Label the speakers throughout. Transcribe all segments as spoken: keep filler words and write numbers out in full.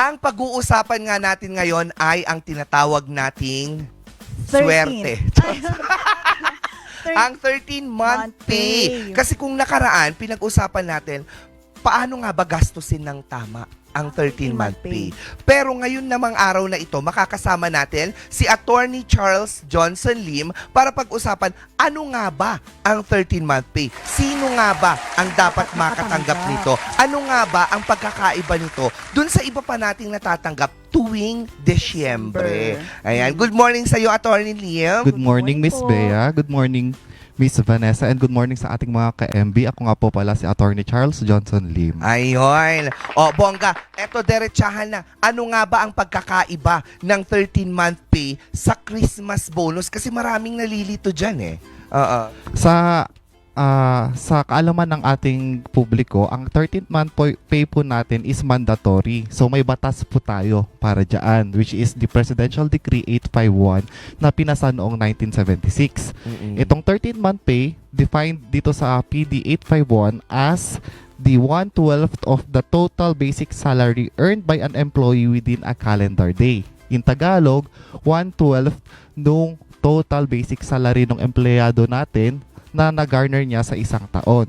Speaker 1: Ang pag-uusapan nga natin ngayon ay ang tinatawag nating swerte. Ang thirteen-month pay. Kasi kung nakaraan, pinag-usapan natin, paano nga ba gastusin ng tama ang thirteen-month pay. Pero ngayon namang araw na ito, makakasama natin si Attorney Charles Johnson Lim para pag-usapan ano nga ba ang thirteen-month pay. Sino nga ba ang dapat makatanggap nito? Ano nga ba ang pagkakaiba nito dun sa iba pa nating natatanggap tuwing Desyembre? Ayan. Good morning sa iyo, Attorney Lim.
Speaker 2: Good morning, Miss Bea. Good morning, Miss Vanessa. And good morning sa ating mga ka-M B. Ako nga po pala si Attorney Charles Johnson Lim.
Speaker 1: Ayun. O, bongga, eto derechahan na. Ano nga ba ang pagkakaiba ng thirteen-month pay sa Christmas bonus? Kasi maraming nalilito dyan eh. Oo.
Speaker 2: Sa ah, sa kaalaman ng ating publiko, ang thirteenth month po, pay po natin is mandatory. So may batas po tayo para dyan, which is the Presidential Decree eight fifty-one na pinasa noong nineteen seventy-six.
Speaker 1: Mm-mm.
Speaker 2: Itong thirteenth month pay, defined dito sa P D eight fifty-one as the one twelfth of the total basic salary earned by an employee within a calendar day. In Tagalog, one twelfth nung total basic salary ng empleyado natin na nag-garner niya sa isang taon.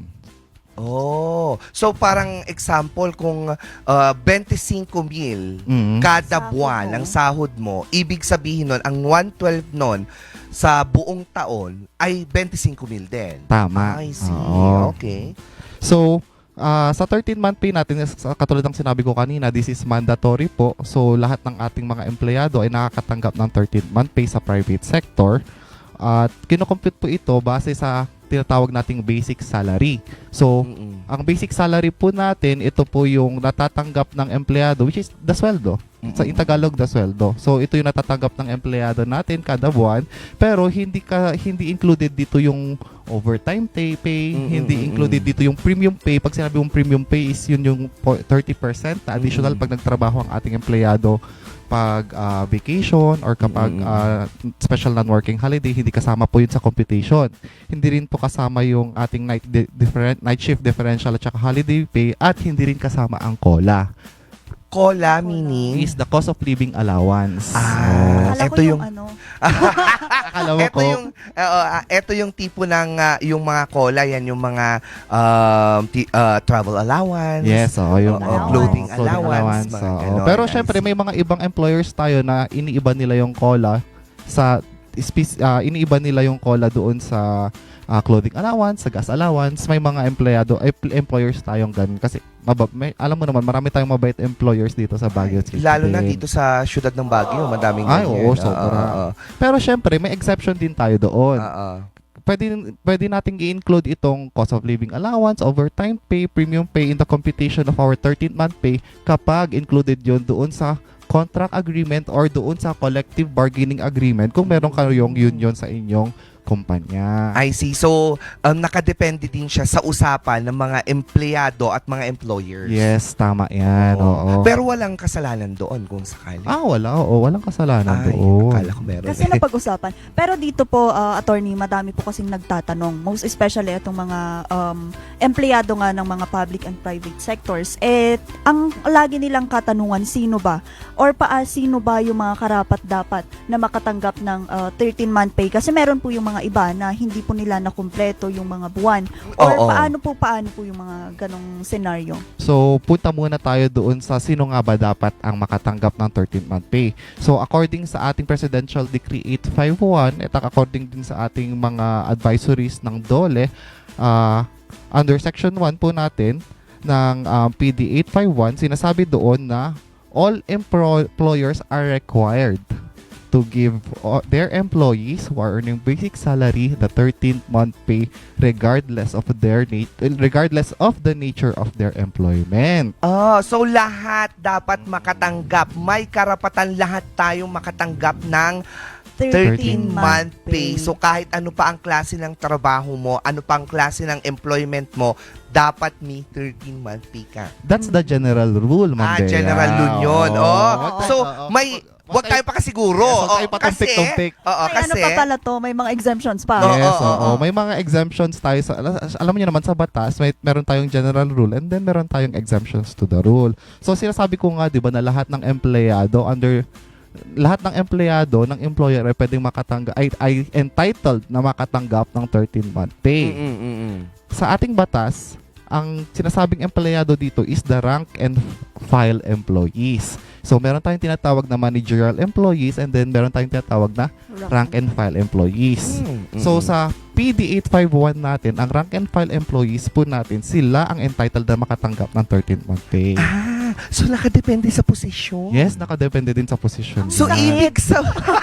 Speaker 1: Oh. So parang example kung uh, twenty-five mil
Speaker 2: Mm.
Speaker 1: kada
Speaker 3: Sahod
Speaker 1: buwan
Speaker 3: mo.
Speaker 1: ang sahod mo, ibig sabihin nun, ang one twelfth nun sa buong taon ay twenty-five mil din.
Speaker 2: Tama.
Speaker 1: I see.
Speaker 2: Oo.
Speaker 1: Okay.
Speaker 2: So, ah, sa thirteen-month pay natin, sa- katulad ng sinabi ko kanina, this is mandatory po. So, lahat ng ating mga empleyado ay nakakatanggap ng thirteen-month pay sa private sector. At kinocompute po ito base sa tinatawag nating basic salary. So,
Speaker 1: Mm-mm.
Speaker 2: ang basic salary po natin, ito po yung natatanggap ng empleyado, which is the sweldo. Sa in Tagalog, the sweldo. So, ito yung natatanggap ng empleyado natin kada buwan. Pero, hindi ka hindi included dito yung overtime pay, pay
Speaker 1: Mm-mm,
Speaker 2: hindi
Speaker 1: mm-mm.
Speaker 2: included dito yung premium pay. Pag sinabi mong premium pay is yun yung po- thirty percent na additional
Speaker 1: Mm-mm.
Speaker 2: pag nagtrabaho ang ating empleyado pag ah, vacation or kapag
Speaker 1: Mm-mm.
Speaker 2: ah, special non-working holiday, hindi kasama po yun sa computation. Hindi rin po kasama yung ating night di- different night shift differential at saka holiday pay, at hindi rin kasama ang COLA.
Speaker 1: Cola meaning
Speaker 2: Is the cost of living allowance.
Speaker 1: Ah,
Speaker 3: Akala
Speaker 1: ito
Speaker 3: ko yung,
Speaker 1: yung-
Speaker 3: ano,
Speaker 2: Akala mo
Speaker 1: ito
Speaker 2: ko,
Speaker 1: yung oo, ah, ito yung tipo ng ah, yung mga cola, yan yung mga um, ti- ah, travel allowance.
Speaker 2: yes, oo, yung
Speaker 1: Oo,
Speaker 3: allowance.
Speaker 1: clothing allowance, mga
Speaker 2: oo.
Speaker 1: ganon.
Speaker 2: Pero
Speaker 1: I
Speaker 2: syempre
Speaker 1: see.
Speaker 2: may mga ibang employers tayo na iniiba nila yung COLA sa spec- ah, iniiba nila yung COLA doon sa ah, clothing allowance, sa gas allowance. May mga empleyado, eh, employers tayong ganun kasi mabab, may, alam mo naman marami tayong mabait employers dito sa Baguio City.
Speaker 1: Lalo na
Speaker 2: din.
Speaker 1: dito sa syudad ng Baguio, madaming
Speaker 2: Ay,
Speaker 1: ganyan.
Speaker 2: oo, sobra.
Speaker 1: Oo,
Speaker 2: Pero syempre may exception din tayo doon.
Speaker 1: oo.
Speaker 2: Pwede, pwede nating i-include itong cost of living allowance, overtime pay, premium pay in the computation of our thirteenth-month pay kapag included yon doon sa contract agreement or doon sa collective bargaining agreement kung meron kayong union sa inyong kumpanya.
Speaker 1: I see. So, um, nakadepende din siya sa usapan ng mga empleyado at mga employers.
Speaker 2: Yes, tama yan.
Speaker 1: Oo.
Speaker 2: Oo.
Speaker 1: Pero walang kasalanan doon kung sakali.
Speaker 2: ah, wala. Oo, walang kasalanan
Speaker 1: Ay,
Speaker 2: doon.
Speaker 1: akala ko meron.
Speaker 3: kasi napag-usapan. Pero dito po, ah, attorney, madami po kasing nagtatanong. Most especially itong mga um, empleyado nga ng mga public and private sectors. Eh, ang lagi nilang katanungan, sino ba? Or pa, sino ba yung mga karapat-dapat na makatanggap ng thirteen-month pay? Kasi meron po yung mga iba na hindi po nila nakumpleto yung mga buwan. Or
Speaker 1: Oo.
Speaker 3: paano po, paano po yung mga ganong senaryo?
Speaker 2: So, punta muna tayo doon sa sino nga ba dapat ang makatanggap ng thirteenth-month pay. So, according sa ating Presidential Decree eight fifty-one, at according din sa ating mga advisories ng DOLE, ah, under Section one po natin ng um, P D eight fifty-one, sinasabi doon na all empro- employers are required to give uh, their employees who are earning basic salary the thirteenth-month pay regardless of their nat- regardless of the nature of their employment.
Speaker 1: Oh, so lahat dapat makatanggap. May karapatan lahat tayong makatanggap ng thirteen-month pay. So kahit ano pa ang klase ng trabaho mo, ano pa ang klase ng employment mo, dapat may thirteen-month pay ka.
Speaker 2: That's the general rule, Ma'am
Speaker 1: Ah,
Speaker 2: Bea.
Speaker 1: general rule yun.
Speaker 2: Oo.
Speaker 1: Oh,
Speaker 3: Oo.
Speaker 1: so
Speaker 2: Oo.
Speaker 1: may Huwag tayo pakasiguro.
Speaker 2: Yes, huwag
Speaker 1: Oo,
Speaker 2: tayo patumpik-tumpik.
Speaker 1: Oo,
Speaker 3: May
Speaker 1: kasi...
Speaker 3: ano pa pala to, may mga exemptions pa.
Speaker 1: Oo,
Speaker 2: Yes,
Speaker 1: oo,
Speaker 2: oo.
Speaker 1: oo.
Speaker 2: May mga exemptions tayo sa ala- alam niyo naman sa batas, may meron tayong general rule and then meron tayong exemptions to the rule. So sinasabi ko nga 'di ba na lahat ng empleyado under lahat ng empleyado ng employer ay pwedeng makatanggap ay, ay entitled na makatanggap ng thirteen month pay.
Speaker 1: Mm, mm, mm.
Speaker 2: Sa ating batas, ang sinasabing empleyado dito is the rank and file employees. So meron tayong tinatawag na managerial employees and then meron tayong tinatawag na rank and file employees.
Speaker 1: Mm, mm,
Speaker 2: So
Speaker 1: mm.
Speaker 2: sa P D eight fifty-one natin, ang rank and file employees po natin, sila ang entitled na makatanggap ng thirteen month pay.
Speaker 1: Ah, so nakadepende sa posisyon?
Speaker 2: Yes, nakadepende din sa position.
Speaker 1: So,
Speaker 2: nila.
Speaker 1: ibig sa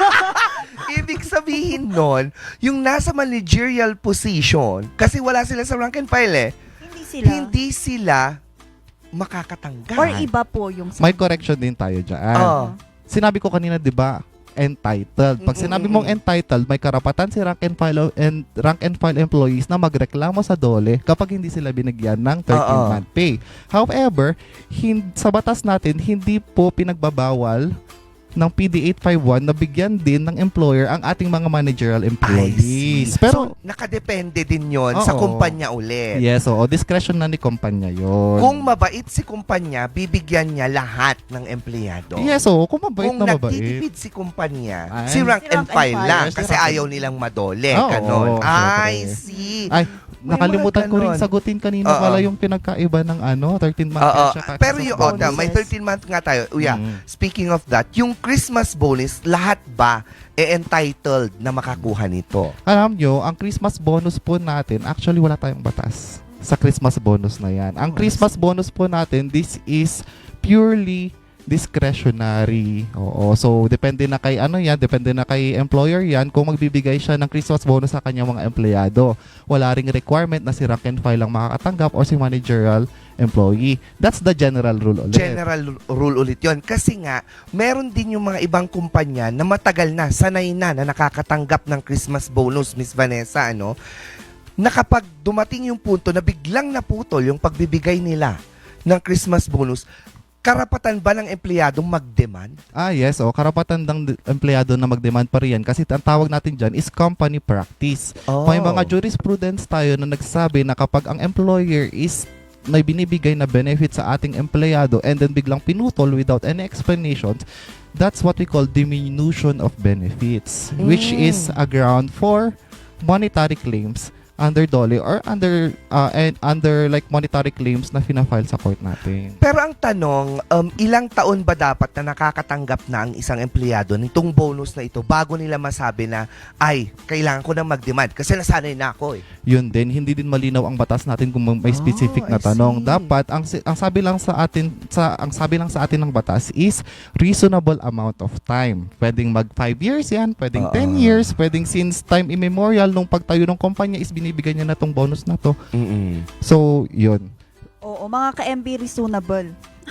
Speaker 1: ibig sabihin nun, yung nasa managerial position, kasi wala sila sa rank and file eh,
Speaker 3: Hindi sila.
Speaker 1: hindi sila makakatanggap.
Speaker 3: Or iba po yung sa...
Speaker 2: May correction din tayo dyan.
Speaker 1: Oo.
Speaker 2: Sinabi ko kanina, di ba, entitled. Pag sinabi mong entitled, may karapatan si rank and file and rank and file employees na magreklamo sa DOLE kapag hindi sila binigyan ng thirteen month pay. However, hin- sa batas natin, hindi po pinagbabawal ng P D eight fifty-one na bigyan din ng employer ang ating mga managerial
Speaker 1: I see.
Speaker 2: employees.
Speaker 1: Pero,
Speaker 2: Pero,
Speaker 1: nakadepende din yon sa
Speaker 2: Oo.
Speaker 1: kumpanya ulit.
Speaker 2: yes, oo, discretion na ni kumpanya yon.
Speaker 1: Kung mabait si kumpanya, bibigyan niya lahat ng empleyado.
Speaker 2: Yes, oo, kung mabait
Speaker 1: Kung
Speaker 2: na mabait.
Speaker 1: nagtitipid si kumpanya,
Speaker 2: Ay.
Speaker 1: si rank
Speaker 3: Si
Speaker 1: and
Speaker 3: rank and
Speaker 1: file
Speaker 3: file.
Speaker 1: lang
Speaker 2: Yes, si
Speaker 1: kasi
Speaker 2: rank and-
Speaker 1: ayaw nilang madole.
Speaker 2: Oo,
Speaker 1: Ganon.
Speaker 2: oo,
Speaker 1: I
Speaker 2: syempre.
Speaker 1: see.
Speaker 2: Ay,
Speaker 1: May
Speaker 2: nakalimutan
Speaker 1: mga
Speaker 2: ko rin
Speaker 1: ganon.
Speaker 2: sagutin kanina
Speaker 1: Oo.
Speaker 2: pala yung pinagkaiba ng ano, thirteen month
Speaker 1: Oo.
Speaker 2: pay tsaka
Speaker 1: Pero
Speaker 2: Christmas
Speaker 1: yung
Speaker 2: bonus.
Speaker 1: Ota, may
Speaker 3: bonuses.
Speaker 1: thirteen month nga tayo. Uya,
Speaker 2: Mm.
Speaker 1: speaking of that, yung Christmas bonus, lahat ba e entitled na makakuha nito?
Speaker 2: Alam nyo, ang Christmas bonus po natin, actually wala tayong batas sa Christmas bonus na yan. Ang
Speaker 1: Oh, I
Speaker 2: Christmas bonus po natin, this is purely discretionary. Oo. So, depende na kay ano yan, depende na kay employer yan kung magbibigay siya ng Christmas bonus sa kanyang mga empleyado. Wala ring requirement na si rank and file lang makakatanggap or si managerial employee. That's the general rule ulit.
Speaker 1: General rule ulit yon. Kasi nga, meron din yung mga ibang kumpanya na matagal na, sanay na, na nakakatanggap ng Christmas bonus, Miss Vanessa, ano? Na kapag dumating yung punto na biglang naputol yung pagbibigay nila ng Christmas bonus, karapatan ba ng empleyadong mag-demand?
Speaker 2: Ah, yes. O, karapatan ng de- empleyado na mag-demand pa rin yan kasi ang tawag natin dyan is company practice.
Speaker 1: Oh.
Speaker 2: May mga jurisprudence tayo na nagsabi na kapag ang employer is may binibigay na benefit sa ating empleyado and then biglang pinutol without any explanations, that's what we call diminution of benefits, which
Speaker 1: Mm.
Speaker 2: is a ground for monetary claims under DOLE or under uh, and under like monetary claims na fina-file sa court natin.
Speaker 1: Pero ang tanong, um, ilang taon ba dapat na nakakatanggap na ang isang empleyado nitong bonus na ito bago nila masabi na, ay, kailangan ko na mag-demand kasi nasanay na ako eh.
Speaker 2: Yun din, hindi din malinaw ang batas natin kung may specific
Speaker 1: Oh,
Speaker 2: na
Speaker 1: I
Speaker 2: tanong.
Speaker 1: see.
Speaker 2: Dapat ang si- ang sabi lang sa atin sa ang sabi lang sa atin ng batas is reasonable amount of time. Pwedeng mag five years 'yan, pwedeng
Speaker 1: Oo.
Speaker 2: ten years, pwedeng since time immemorial nung pagtayo ng kumpanya is binibigyan niya na tong bonus na to.
Speaker 1: Mm-mm.
Speaker 2: So, yun.
Speaker 3: Oo, mga ka-M B reasonable.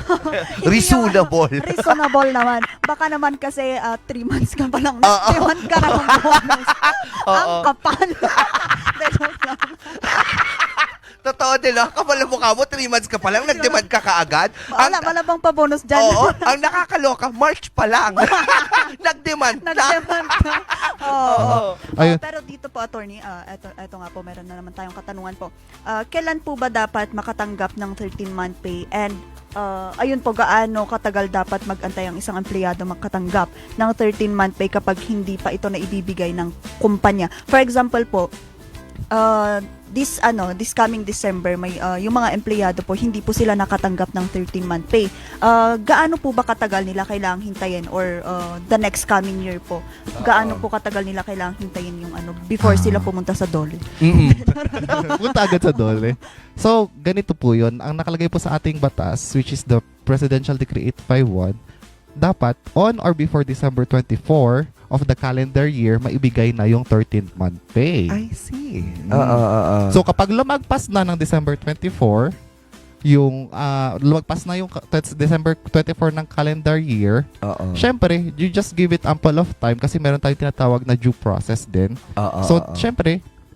Speaker 1: Reasonable.
Speaker 3: Reasonable naman. Baka naman kasi uh, three months ka pa lang.
Speaker 1: Oo.
Speaker 3: Next month ka na ng bonus. Ang
Speaker 1: Oo.
Speaker 3: kapal. De, joke lang.
Speaker 1: Totoo din, no? Kapal ang mukha mo, three months ka pa lang, nag-demand ka kaagad.
Speaker 3: Wala, wala bang pa-bonus dyan?
Speaker 1: Oo, ang nakakaloka, March pa lang. Nag-demand na.
Speaker 3: Nag-demand ka. Oo.
Speaker 1: Oo.
Speaker 2: Ayun.
Speaker 3: Ah, pero dito po, attorney, ah, eto, eto nga po, meron na naman tayong katanungan po. Ah, kailan po ba dapat makatanggap ng thirteen month pay? And ah, ayun po, gaano katagal dapat mag-antay ang isang empleyado makatanggap ng thirteen month pay kapag hindi pa ito na ibibigay ng kumpanya? For example po, uh, this ano this coming December may uh, yung mga empleyado po hindi po sila nakatanggap ng thirteen month pay. Uh, gaano po ba katagal nila kailangang hintayin or uh, the next coming year po? Gaano po katagal nila kailangang hintayin yung ano before sila pumunta sa DOLE?
Speaker 1: Mm-mm.
Speaker 2: Punta agad sa DOLE. So, ganito po yun. Ang nakalagay po sa ating batas, which is the Presidential Decree eight fifty-one, dapat on or before December twenty-fourth of the calendar year, maibigay na yung thirteenth month pay.
Speaker 1: I see.
Speaker 2: Mm.
Speaker 1: Oo, oo, oo.
Speaker 2: So, kapag lumagpas na ng December twenty-fourth, yung uh, lumagpas na yung ka- tet- December twenty-fourth ng calendar year,
Speaker 1: Oo.
Speaker 2: syempre, you just give it ample of time kasi meron tayong tinatawag na due process din.
Speaker 1: Oo,
Speaker 2: So,
Speaker 1: oo.
Speaker 2: syempre,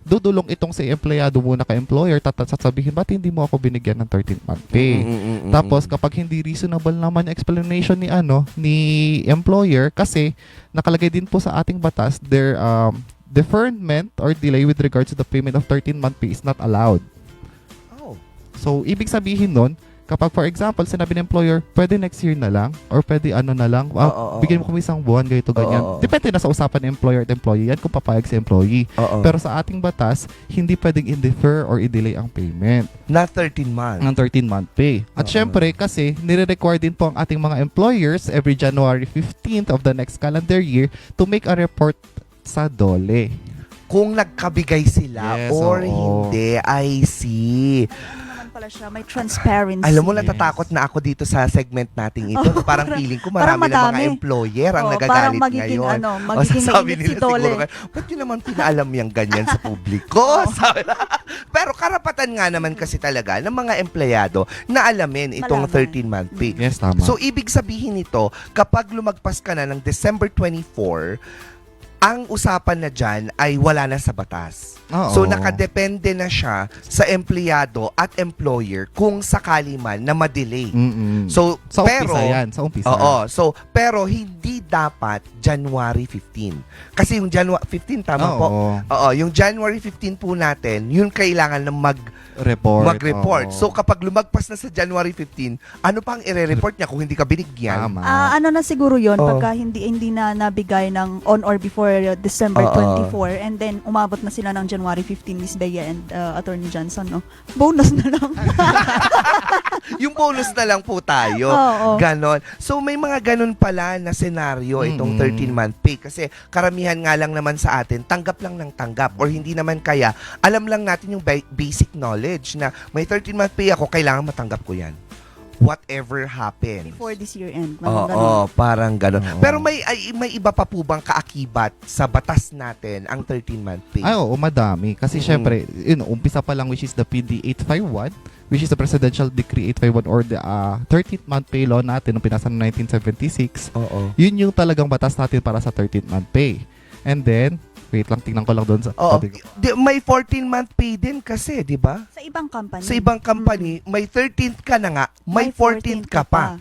Speaker 2: dudulong itong si empleyado muna kay employer, tatat sasabihin, ba't hindi mo ako binigyan ng thirteenth month pay?
Speaker 1: Mm-mm-mm-mm.
Speaker 2: Tapos kapag hindi reasonable naman yung explanation ni ano ni employer, kasi nakalagay din po sa ating batas, their um, deferment or delay with regards to the payment of thirteenth month pay is not allowed.
Speaker 1: Oh.
Speaker 2: So ibig sabihin nun, kapag for example sinabi ng employer, pwede next year na lang or pwede ano na lang, ah,
Speaker 1: Oo, oo,
Speaker 2: bigyan mo
Speaker 1: oo.
Speaker 2: kami isang buwan, ganito, ganyan.
Speaker 1: Oo, oo.
Speaker 2: Depende na sa usapan ng employer at employee yan kung papayag si employee.
Speaker 1: Oo.
Speaker 2: Pero sa ating batas, hindi pwedeng i-defer or i-delay ang payment
Speaker 1: na thirteen months.
Speaker 2: ng thirteen month pay. At
Speaker 1: Oo.
Speaker 2: syempre, kasi nire-require din po ang ating mga employers every January fifteenth of the next calendar year to make a report sa DOLE.
Speaker 1: Kung nagkabigay sila
Speaker 2: Yes,
Speaker 1: or
Speaker 2: oo.
Speaker 1: hindi, I see.
Speaker 3: Ano naman pala siya, may transparency.
Speaker 1: Alam mo,
Speaker 2: Yes.
Speaker 1: natatakot na ako dito sa segment nating ito.
Speaker 3: Oo,
Speaker 1: parang
Speaker 3: parang-
Speaker 1: feeling ko
Speaker 3: parang
Speaker 1: marami na mga
Speaker 3: madami.
Speaker 1: employer ang
Speaker 3: Oo,
Speaker 1: nagagalit
Speaker 3: parang magiging,
Speaker 1: ngayon.
Speaker 3: ano,
Speaker 1: O
Speaker 3: magiging
Speaker 1: sasabi
Speaker 3: mainit
Speaker 1: nila
Speaker 3: si Dole.
Speaker 1: siguro, ba't yun naman pinaalam yung ganyan sa publiko? Sabi na. Pero karapatan nga naman kasi talaga ng mga empleyado na alamin itong
Speaker 3: Malaman.
Speaker 1: thirteen month pay.
Speaker 2: Yes, tama.
Speaker 1: So, ibig sabihin nito, kapag lumagpas ka na ng December twenty-four, ang usapan na dyan ay wala na sa batas.
Speaker 2: Oo.
Speaker 1: So, nakadepende na siya sa empleyado at employer kung sakali man na madelay.
Speaker 2: Mm-mm.
Speaker 1: So,
Speaker 2: sa
Speaker 1: pero,
Speaker 2: umpisa yan. Sa umpisa.
Speaker 1: oo, so, pero hindi dapat January fifteenth. Kasi yung January fifteenth, tama po?
Speaker 2: Oo.
Speaker 1: Oo, yung January fifteenth po natin, yun kailangan na mag
Speaker 2: Report.
Speaker 1: mag-report.
Speaker 2: Oo.
Speaker 1: So kapag lumagpas na sa January fifteenth, ano pang ire-report niya kung hindi ka binigyan?
Speaker 2: Tama.
Speaker 3: Ah, ano na siguro 'yon
Speaker 1: Oo.
Speaker 3: pagka hindi hindi na nabigay ng on or before uh, December
Speaker 1: Oo.
Speaker 3: twenty-four and then umabot na sila ng January fifteen, Miss Bea and uh, Attorney Johnson, no? Bonus na lang.
Speaker 1: Yung bonus na lang po tayo.
Speaker 3: Oo.
Speaker 1: Ganon. So may mga ganon pala na senaryo itong
Speaker 2: Mm-mm.
Speaker 1: thirteen month pay kasi karamihan nga lang naman sa atin tanggap lang ng tanggap or hindi naman kaya alam lang natin yung ba- basic knowledge na may thirteen month pay ako, kailangan matanggap ko yan. Whatever happens.
Speaker 3: Before this year end.
Speaker 1: Oo,
Speaker 3: Parang ganun.
Speaker 1: parang ganon.
Speaker 2: Oo.
Speaker 1: Pero may ay, may iba pa po bang kaakibat sa batas natin ang thirteen month pay?
Speaker 2: Ay, oo, madami. Kasi
Speaker 1: Mm-mm.
Speaker 2: syempre, yun, umpisa pa lang which is the P D eight fifty-one, which is the Presidential Decree eight fifty-one or the uh, thirteenth month pay law natin nung pinasa noong nineteen seventy-six.
Speaker 1: Oo.
Speaker 2: Yun yung talagang batas natin para sa thirteenth month pay. And then, wait lang, tingnan ko lang doon sa...
Speaker 1: Oo.
Speaker 2: sabi ko.
Speaker 1: Di- may fourteen month pay din kasi, di ba?
Speaker 3: Sa ibang company.
Speaker 1: Sa ibang company, may thirteenth ka na nga, may fourteenth ka pa.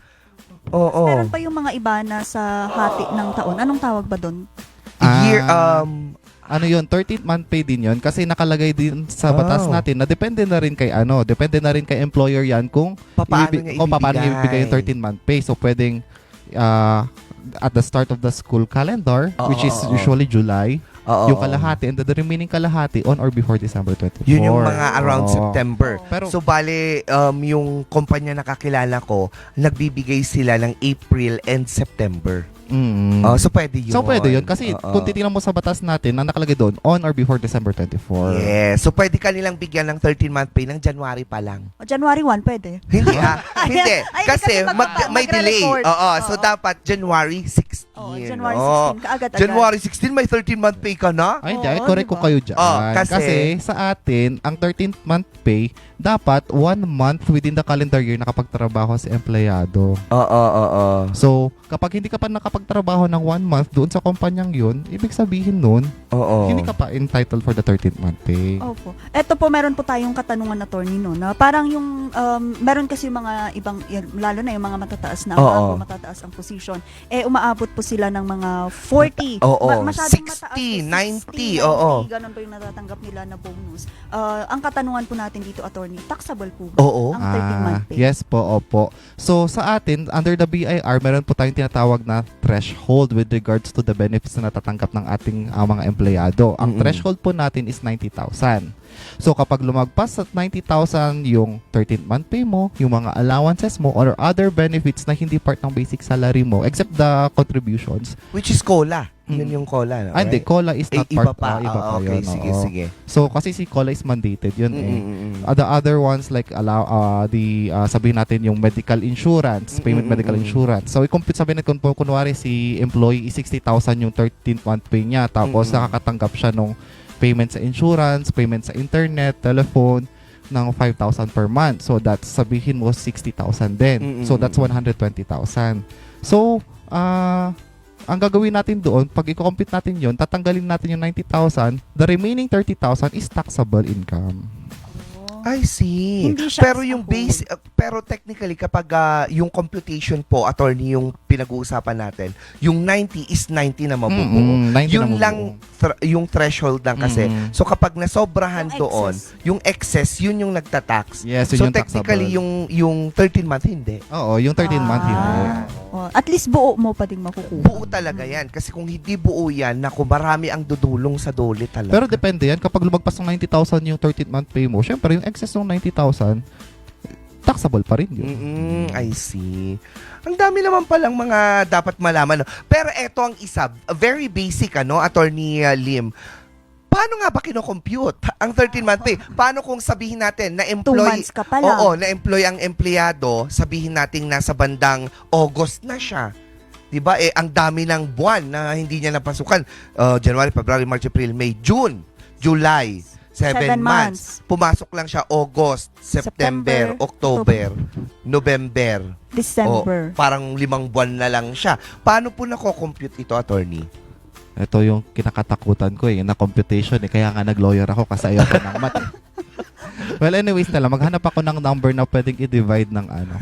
Speaker 1: Oo.
Speaker 3: Meron pa yung mga iba na sa hati ng taon. Anong tawag ba doon?
Speaker 1: Year,
Speaker 2: Ah,
Speaker 1: um,
Speaker 2: ano yun, thirteenth month pay din yun kasi nakalagay din sa batas
Speaker 1: Oh.
Speaker 2: natin na depende na rin kay ano, depende na rin kay employer yan kung
Speaker 1: paano
Speaker 2: ibibi-
Speaker 1: niya
Speaker 2: kung paano niya
Speaker 1: ibibigay.
Speaker 2: ibigay yung thirteen month pay. So, pwedeng uh, at the start of the school calendar,
Speaker 1: Oo,
Speaker 2: which is
Speaker 1: oo, oo.
Speaker 2: usually July,
Speaker 1: Oo,
Speaker 2: yung
Speaker 1: oo.
Speaker 2: kalahati, and the remaining kalahati on or before December twenty-fourth.
Speaker 1: Yun yung mga around
Speaker 2: Oo.
Speaker 1: September.
Speaker 2: Pero,
Speaker 1: So, bale, um, yung kumpanya na kakilala ko, nagbibigay sila ng April and September.
Speaker 2: mm,
Speaker 1: Oh, so, pwede yun.
Speaker 2: so pwede yun. Kasi
Speaker 1: Oo.
Speaker 2: kung titingnan mo sa batas natin, na nakalagay doon, on or before December twenty-fourth.
Speaker 1: Yes. So, pwede ka nilang bigyan ng thirteen month pay ng January pa lang.
Speaker 3: O, January first, pwede.
Speaker 1: Hindi ah. Hindi.
Speaker 3: Ay,
Speaker 1: Kasi
Speaker 3: kasi
Speaker 1: mag,
Speaker 3: magpapa-
Speaker 1: may delay.
Speaker 3: magre-record.
Speaker 1: Oo. So,
Speaker 3: Oo.
Speaker 1: dapat January sixteen.
Speaker 3: Oh, January
Speaker 1: Oo.
Speaker 3: sixteen, kaagad-agad.
Speaker 1: January sixteen, may thirteen month pay ka na?
Speaker 2: Ay, hindi.
Speaker 3: Oo,
Speaker 2: Ay, correct ko
Speaker 3: diba?
Speaker 2: kayo dyan.
Speaker 1: Oh,
Speaker 2: kasi,
Speaker 1: kasi-
Speaker 2: sa atin, ang thirteenth month pay, dapat one month within the calendar year nakapagtrabaho si empleyado.
Speaker 1: Oo, oo, oo.
Speaker 2: So, kapag hindi ka pa nakapagtrabaho ng one month doon sa kumpanyang yun, ibig sabihin nun,
Speaker 1: Oo.
Speaker 2: hindi ka pa entitled for the thirteenth month pay.
Speaker 3: Opo. Eto po, meron po tayong katanungan, attorney, no, na parang yung, um, meron kasi yung mga ibang, y- lalo na yung mga matataas na,
Speaker 1: Oo.
Speaker 3: umaabot, matataas ang position, eh, umaabot po sila ng mga forty.
Speaker 1: Oo.
Speaker 3: Ma- masyadong
Speaker 1: sixty,
Speaker 3: mataas po,
Speaker 1: ninety,
Speaker 3: sixty,
Speaker 1: oo.
Speaker 3: Ganun po yung natatanggap nila na bonus. Ah, ang katanungan po natin dito, attorney, taxable po ba
Speaker 1: Oo.
Speaker 3: ang thirteen month pay?
Speaker 2: Yes po, opo. So, sa atin, under the B I R, meron po tayong tinatawag na threshold with regards to the benefits na natatanggap ng ating uh, mga empleyado. Ang
Speaker 1: Mm-mm.
Speaker 2: threshold po natin is ninety thousand. So, kapag lumagpas sa ninety thousand yung thirteenth month pay mo, yung mga allowances mo, or other benefits na hindi part ng basic salary mo, except the contributions.
Speaker 1: Which is COLA. Yun
Speaker 2: Mm.
Speaker 1: yung COLA. No?
Speaker 2: Ah, hindi, COLA is
Speaker 1: Eh,
Speaker 2: not
Speaker 1: iba
Speaker 2: part.
Speaker 1: pa.
Speaker 2: ah, iba
Speaker 1: Ah,
Speaker 2: pa
Speaker 1: okay,
Speaker 2: yun.
Speaker 1: sige,
Speaker 2: oo.
Speaker 1: sige.
Speaker 2: So, kasi si COLA is mandated yun eh.
Speaker 1: Mm-mm-mm.
Speaker 2: Uh, the other ones like allow uh, the uh, sabihin natin yung medical insurance, payment
Speaker 1: Mm-mm-mm.
Speaker 2: medical insurance. So i-compute sabihin natin kung kunwari si employee is sixty thousand yung thirteenth month pay niya tapos
Speaker 1: Mm-mm.
Speaker 2: nakakatanggap siya nung payment sa insurance, payment sa internet, telephone ng five thousand per month. So that's sabihin mo sixty thousand din.
Speaker 1: Mm-mm.
Speaker 2: So that's one hundred twenty thousand. So uh ang gagawin natin doon, pag i-compute natin yon, tatanggalin natin yung ninety thousand, the remaining thirty thousand is taxable income.
Speaker 1: I see.
Speaker 3: Hindi siya
Speaker 1: Pero
Speaker 3: as a
Speaker 1: yung
Speaker 3: whole.
Speaker 1: base, uh, pero technically kapag ah, yung computation po, attorney, yung pinag-uusapan natin, yung ninety is ninety na mabubuo.
Speaker 2: Mm-mm, ninety
Speaker 1: Yun
Speaker 2: na
Speaker 1: lang
Speaker 2: mabubuo.
Speaker 1: thr- yung threshold lang kasi.
Speaker 2: Mm-mm.
Speaker 1: So kapag nasobrahan
Speaker 3: Yung
Speaker 1: doon,
Speaker 3: excess.
Speaker 1: yung excess, yun yung nagtatax.
Speaker 2: Yes,
Speaker 1: So
Speaker 2: yun yung
Speaker 1: technically
Speaker 2: taxable.
Speaker 1: yung yung thirteen month hindi.
Speaker 2: Oo, yung thirteen month hindi.
Speaker 3: Ah. Oh, at least buo mo pa din makukuha.
Speaker 1: Buo talaga yan. Kasi kung hindi buo yan, naku, marami ang dudulong sa dole talaga.
Speaker 2: Pero depende yan. Kapag lumagpas ng ninety thousand yung thirteen month pay mo, syempre yung excess ng ninety thousand, taxable pa rin yun.
Speaker 1: Mm, I see. Ang dami naman palang mga dapat malaman. No? Pero eto ang isa, very basic, ano, Attorney uh, Lim. Paano nga ba kinocompute ang thirteen month pay? Paano kung sabihin natin na
Speaker 3: Two
Speaker 1: employee,
Speaker 3: months ka pa lang.
Speaker 1: oo, na employee ang empleyado, sabihin natin nasa bandang August na siya. 'Di ba? Eh ang dami ng buwan na hindi niya napasukan. Uh, January, February, March, April, May, June, July. Seven,
Speaker 3: Seven
Speaker 1: months. Pumasok lang siya August, September,
Speaker 3: September,
Speaker 1: October, November. O,
Speaker 3: December.
Speaker 1: parang limang buwan na lang siya. Paano po nako-compute ito, attorney?
Speaker 2: Ito yung kinakatakutan ko eh, na computation eh. Kaya nga nag-lawyer ako kasi ayoko ng math eh. Well, anyways na lang, maghanap ako ng number na pwedeng i-divide ng ano.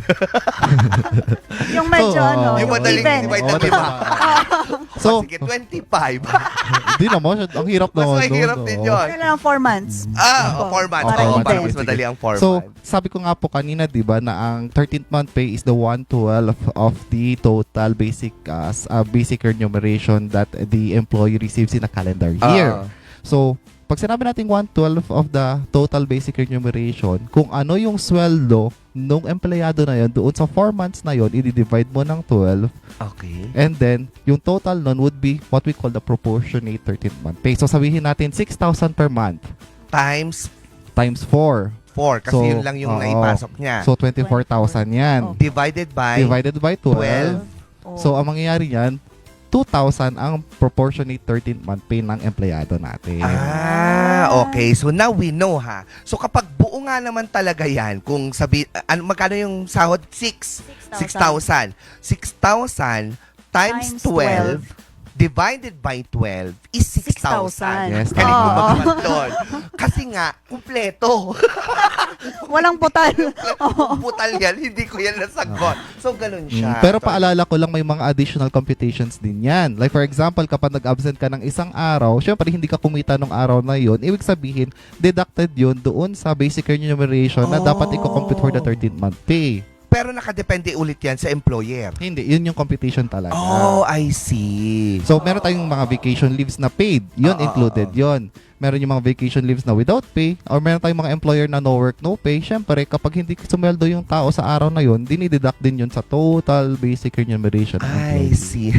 Speaker 3: Yung medyo
Speaker 2: So,
Speaker 3: ano,
Speaker 2: oo,
Speaker 1: Yung
Speaker 3: yung
Speaker 1: madaling
Speaker 3: even.
Speaker 1: divide
Speaker 2: Oo,
Speaker 1: ng lima.
Speaker 2: So,
Speaker 1: Sige, twenty-five.
Speaker 2: di naman, ang hirap
Speaker 1: Mas
Speaker 2: naman.
Speaker 1: mahirap
Speaker 2: doon,
Speaker 1: din
Speaker 2: oo.
Speaker 1: yun.
Speaker 3: Ano lang, four months.
Speaker 1: Ah,
Speaker 3: Opo.
Speaker 1: four months.
Speaker 3: Para
Speaker 1: Oo,
Speaker 3: even.
Speaker 1: parang mas madali ang four
Speaker 2: So,
Speaker 1: months.
Speaker 2: sabi ko nga po kanina, di ba, na ang thirteenth month pay is the one twelfth of the total basic uh, s- uh, basic remuneration that the employee receives in a calendar year.
Speaker 1: Ah.
Speaker 2: So, pag sinabi natin one twelfth of the total basic remuneration, kung ano yung sweldo nung empleyado na yun, doon sa four months na yun, i-divide mo ng twelve,
Speaker 1: Okay.
Speaker 2: and then, yung total nun would be what we call the proportionate thirteenth month pay. So, sabihin natin six thousand per month
Speaker 1: Times
Speaker 2: times four.
Speaker 1: four. Kasi
Speaker 2: So,
Speaker 1: yun lang yung
Speaker 2: oo.
Speaker 1: naipasok niya.
Speaker 2: So, twenty-four thousand yan.
Speaker 3: Oh.
Speaker 1: Divided by
Speaker 2: Divided by twelve.
Speaker 1: twelve.
Speaker 3: Oh.
Speaker 2: So, ang mangyayari yan, two thousand ang proportionate thirteenth month pay ng empleyado natin.
Speaker 1: Ah, okay. So now we know, ha. So kapag buo nga naman talaga yan, kung sabi, ano, magkano yung sahod? Six. Six thousand. Six thousand times
Speaker 3: Times
Speaker 1: twelve divided by twelve is six thousand.
Speaker 2: Yes,
Speaker 1: Galing mo
Speaker 3: Oo.
Speaker 1: magkakat doon. Kasi nga, kumpleto.
Speaker 3: Walang putal.
Speaker 1: Kung putal yan, hindi ko yan nasagot. So, ganun siya.
Speaker 2: Mm, pero paalala ko lang, may mga additional computations din yan. Like for example, kapag nag-absent ka ng isang araw, syempre hindi ka kumita ng araw na yon, ibig sabihin, deducted yun doon sa basic remuneration na
Speaker 1: Oh.
Speaker 2: dapat i-compute for the thirteenth month pay.
Speaker 1: Pero nakadepende ulit yan sa employer.
Speaker 2: Hindi, yun yung computation talaga.
Speaker 1: Oh, I see.
Speaker 2: So, meron tayong mga vacation leaves na paid. Yun,
Speaker 1: Oo,
Speaker 2: included
Speaker 1: oo.
Speaker 2: yun. Meron yung mga vacation leaves na without pay. Or meron tayong mga employer na no work, no pay. Siyempre, kapag hindi sumweldo yung tao sa araw na yun, dinideduct din yun sa total basic remuneration. ng
Speaker 1: I
Speaker 2: employee.
Speaker 1: see.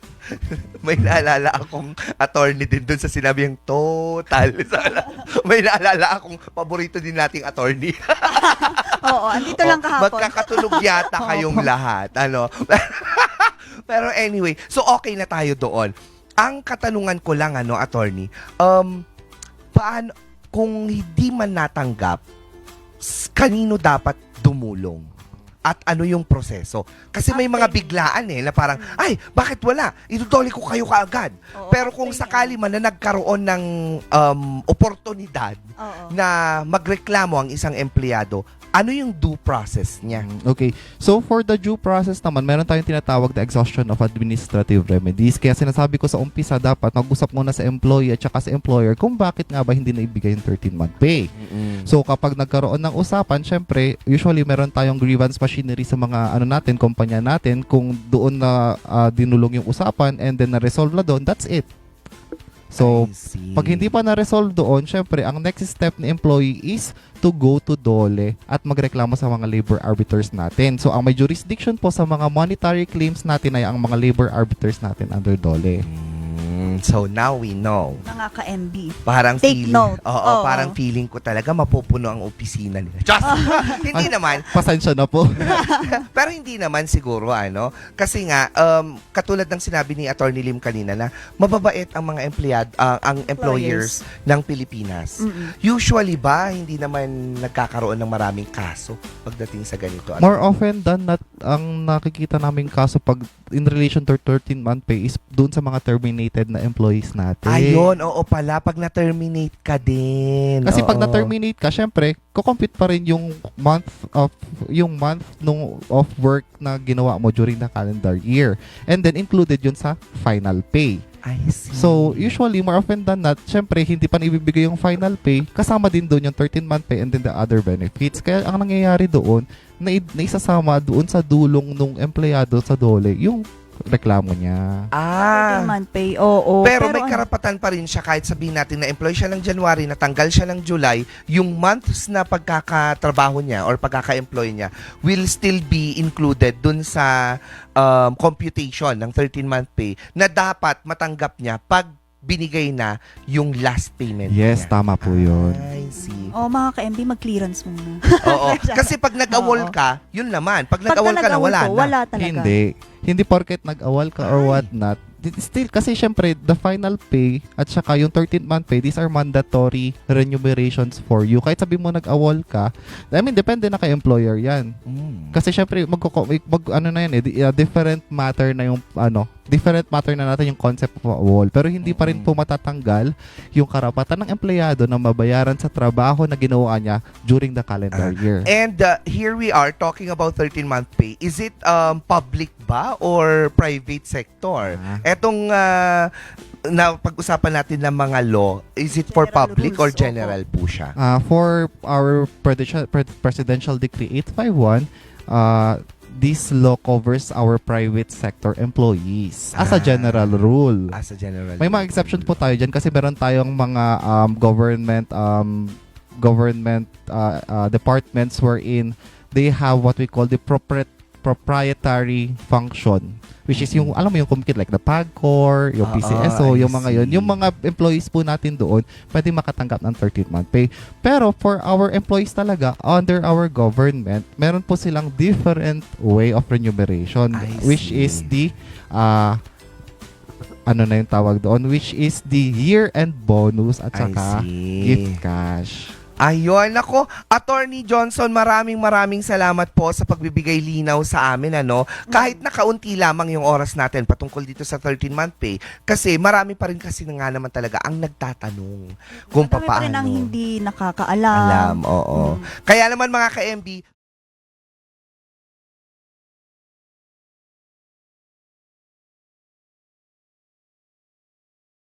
Speaker 1: May naalala akong attorney din dun sa sinabi yung total. May naalala akong paborito din nating attorney.
Speaker 3: Oo, andito lang kahapon.
Speaker 1: Magkakatulog yata kayong lahat. Ano? Pero anyway, so okay na tayo doon. Ang katanungan ko lang, ano, attorney, um, paano, kung hindi man natanggap, s- kanino dapat dumulong? At ano yung proseso? Kasi may mga biglaan eh, na parang, ay, bakit wala? Itutuli ko kayo kaagad.
Speaker 3: Oo,
Speaker 1: Pero kung
Speaker 3: actually,
Speaker 1: sakali man na nagkaroon ng um, oportunidad
Speaker 3: Oo.
Speaker 1: na magreklamo ang isang empleyado, ano yung due process niya?
Speaker 2: Mm, Okay. So, for the due process naman, meron tayong tinatawag na exhaustion of administrative remedies. Kaya sinasabi ko sa umpisa, dapat mag-usap muna sa employee at saka sa employer kung bakit nga ba hindi naibigay yung thirteen month pay. So, kapag nagkaroon ng usapan, syempre, usually meron tayong grievance machinery sa mga ano natin, kumpanya natin. Kung doon na ah, dinulong yung usapan and then na-resolve na doon, that's it. So,
Speaker 1: I see.
Speaker 2: pag hindi pa na-resolve doon, syempre, ang next step ni employee is to go to DOLE at magreklamo sa mga labor arbiters natin. So, ang may jurisdiction po sa mga monetary claims natin ay ang mga labor arbiters natin under DOLE.
Speaker 1: Mm. Mm, so now we know.
Speaker 3: Mga ka-M B.
Speaker 1: Parang
Speaker 3: Take
Speaker 1: feeling,
Speaker 3: note.
Speaker 1: Oo,
Speaker 3: Oo.
Speaker 1: parang feeling ko talaga mapupuno ang opisina nila. Just, hindi naman.
Speaker 2: Pasensya na po.
Speaker 1: Pero hindi naman siguro ano, kasi nga um, katulad ng sinabi ni Attorney Lim kanina na mababait ang mga empleyado, ah, ang employers ng Pilipinas.
Speaker 3: Mm-mm.
Speaker 1: Usually ba hindi naman nagkakaroon ng maraming kaso pagdating sa ganito?
Speaker 2: More often than not, ang nakikita namin kaso pag in relation to thirteen month pay is doon sa mga terminated na employees natin.
Speaker 1: Ayun, oo pala, pag na-terminate ka din.
Speaker 2: Kasi pag
Speaker 1: Oo.
Speaker 2: na-terminate ka, syempre, kukompute pa rin yung month of yung month nung of work na ginawa mo during the calendar year. And then included yun sa final pay.
Speaker 1: I see.
Speaker 2: So, usually, more often than not, syempre, hindi pa naibibigay yung final pay, kasama din doon yung thirteen month pay and then the other benefits. Kaya ang nangyayari doon, na, naisasama doon sa dulong nung empleyado sa dole, yung reklamo niya.
Speaker 1: Ah.
Speaker 3: thirteen month pay, oo.
Speaker 1: Pero, may
Speaker 3: ano,
Speaker 1: karapatan pa rin siya kahit sabihin natin na employee siya ng January, natanggal siya ng July, yung months na pagkakatrabaho niya or pagkaka-employ niya will still be included dun sa um, computation ng thirteen month pay na dapat matanggap niya pag binigay na yung last payment
Speaker 2: Yes,
Speaker 1: niya.
Speaker 2: tama po yun.
Speaker 1: I see.
Speaker 3: oh, mga ka-M B, mag-clearance muna.
Speaker 1: Oo. Kasi pag nag-awol
Speaker 3: Oo.
Speaker 1: ka, yun naman. Pag
Speaker 3: Pagka
Speaker 1: nag-awol ka na,
Speaker 3: nag-awol
Speaker 1: wala
Speaker 3: ko,
Speaker 1: na.
Speaker 3: wala talaga.
Speaker 2: Hindi. Hindi porket nag-awal ka or
Speaker 1: Ay.
Speaker 2: what not. Still, kasi syempre, the final pay at saka yung thirteen month pay, these are mandatory remunerations for you. Kahit sabi mo nag-awol ka, I mean, depende na kay employer yan.
Speaker 1: Mm.
Speaker 2: Kasi syempre, mag, mag, ano na yan eh, di- uh, different matter na yung, ano, different matter na natin yung concept of awol. Pero hindi pa rin po matatanggal yung karapatan ng empleyado na mabayaran sa trabaho na ginawa niya during the calendar year.
Speaker 1: And uh, here we are talking about thirteen month pay. Is it um, public ba or private sector?
Speaker 2: Ah.
Speaker 1: Etong uh, na pag-usapan natin ng mga law, is it for
Speaker 3: General
Speaker 1: public
Speaker 3: rules,
Speaker 1: or
Speaker 3: opo.
Speaker 1: general po siya?
Speaker 2: Uh, for our presidential, pre- presidential decree eight fifty-one, uh, this law covers our private sector employees as a
Speaker 1: Ah.
Speaker 2: general rule.
Speaker 1: As a general.
Speaker 2: May mga exception po tayo dyan kasi meron tayong mga um, government um, government uh, uh, departments wherein they have what we call the propri- proprietary function, which is yung, alam mo yung kumikit like the PAGCOR, yung
Speaker 1: Ah,
Speaker 2: P C S O,
Speaker 1: I
Speaker 2: yung mga yun.
Speaker 1: see.
Speaker 2: Yung mga employees po natin doon, pwede makatanggap ng thirteen month pay. Pero for our employees talaga, under our government, meron po silang different way of remuneration,
Speaker 1: I
Speaker 2: which
Speaker 1: see.
Speaker 2: is the, uh, ano na yung tawag doon, which is the year-end bonus at
Speaker 1: I
Speaker 2: saka
Speaker 1: see.
Speaker 2: gift cash.
Speaker 1: Ayun, ako, Attorney Johnson, maraming maraming salamat po sa pagbibigay linaw sa amin, ano. Kahit na kaunti lamang yung oras natin patungkol dito sa thirteen month pay, kasi marami pa rin kasi na nga naman talaga ang nagtatanong kung
Speaker 3: Marami pa rin ang
Speaker 1: papaano.
Speaker 3: hindi nakakaalam.
Speaker 1: Alam, oo.
Speaker 3: Mm.
Speaker 1: Kaya naman mga ka-M B,